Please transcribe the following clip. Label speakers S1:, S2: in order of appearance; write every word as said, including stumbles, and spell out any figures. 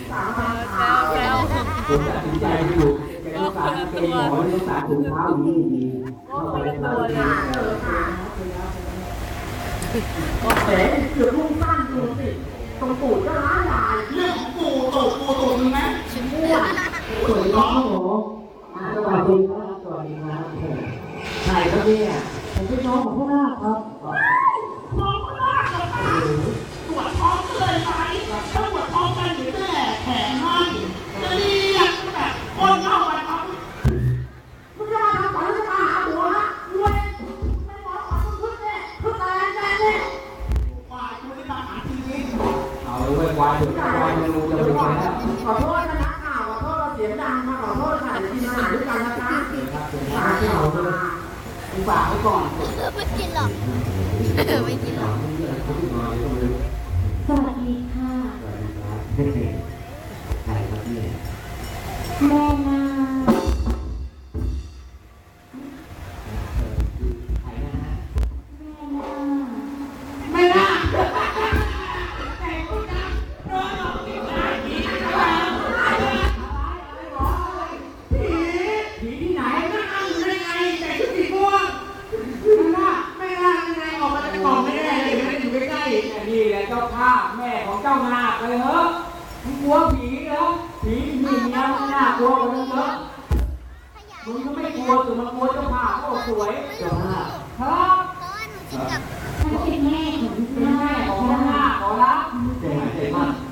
S1: แล้ว
S2: ผมตัดสินใจอยู่แกต้องการเป็นหมอไม่ต้องการถุงเท้าดีดีเข้าไปในตัวเลย
S3: แผลเกือบลุ่งสั้นดูสิตรงตูดก็ร้ายลายเรื่องของปู่ตูดปู่ตูดมีไหมชิ้นม้วน
S2: สวยน้องหมอสวัสดีครับสวัสดีครับใช่ครับเนี่ยผมเป็นน้องของพ่อนาคครับ
S3: น้องก็น่าจะตายตรวจท้องเลยไหมถ้าตรวจท้องกันหรือแม่แผลให้จะเรียกแบบคนเข้าไปครับมึงจะมาทำก่อนหรือจะมาหาหัวฮะรวยไม่หมอขอพึ่งเนี่ยพึ่งอะไรแม่เนี่ยฝ่ายคุณจะมาหาทีวี
S2: เอาไว้ควายเถอะควายมันรู้จะเป็นไงแล้ว
S3: ขอโทษนะนักข่าวขอโทษเราเสียงดังมาขอโทษค่ะเดี๋ยวกินอาหารด้วยกันนะคะฝากที่เราด้วยฝากไว้ก่อน
S1: ไม่กินหรอกไม่กินหรอก
S4: สวัสดีค่ะ
S2: ใครครับเนี่ย
S4: แม่นา
S2: ใครนะฮะ
S4: แม่นา
S3: ไม่น่าแต่คุณนะโดนหลอกผีผีผีที่ไหนนั่งอ้ำได้ไงแต่ชุดสีม่วงไม่น่าไม่น่ายังไงออกมาจากกล่องไม่ได้เลยไม่ได้อยู่ใกล้ๆ
S2: นี่แหละเจ้าข้าแม่ของเจ้านาคเลยเหรอมึงกลัวผีเหรอผีมีเมียมึงน่ากลัวกว่านั้นเหรอมึงก็ไม่กลัวแต่มันกลัวเจ้าข้าโอ้สวยเจ้าข้าครับ
S4: ฉันเป็นแม่ของ
S2: เป็นแม่ของนาคขอรับเจ๋งเจ๋งมาก